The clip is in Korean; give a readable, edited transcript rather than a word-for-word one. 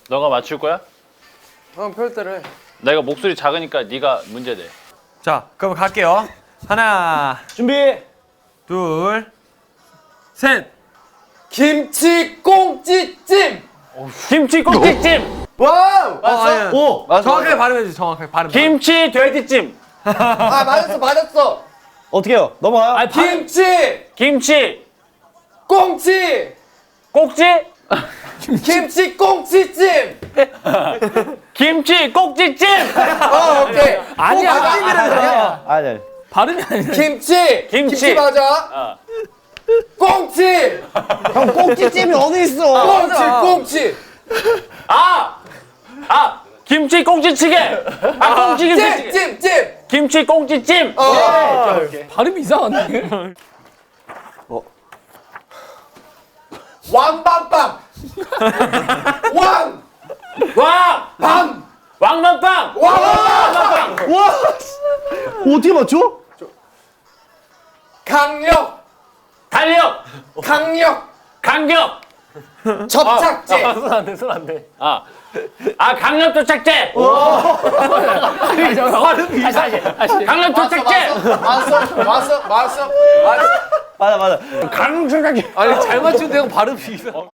너가 맞출 거야? 형 별대로 해. 내가 목소리 작으니까 네가 문제 내. 자, 그럼 갈게요. 하나, 준비. 둘, 셋. 김치 꽁찌찜. 김치 꼭지찜. 와우. 아니야. 오. 정확하게 발음해주세요. 정확하게 발음. 김치 돼지찜. 아 맞았어. 어떻게 해요? 넘어가요? 김치 꽁치. 꼭지? 김치 꽁치찜. 김치 꼭지찜. 오케이. 아니야. 아니. 발음이 아니라. 김치 맞아. 꽁치. 형 꼭지찜이 어디 있어? 꽁치. 김치 꼭지찌개. 꽁치 김치찌개. 찜. 김치 꼭지찜. 발음이 이상한데? 왕밤빵. 왕만빵. 와. 어떻게 맞춰? 강력. 달력. 강력. 접착제. 손 안 돼. 강력 도착제. 다시. 강력 도착제. 맞았어. 맞아. 강력 도착제. 아니, 잘 맞추는데 형 발음이 이상.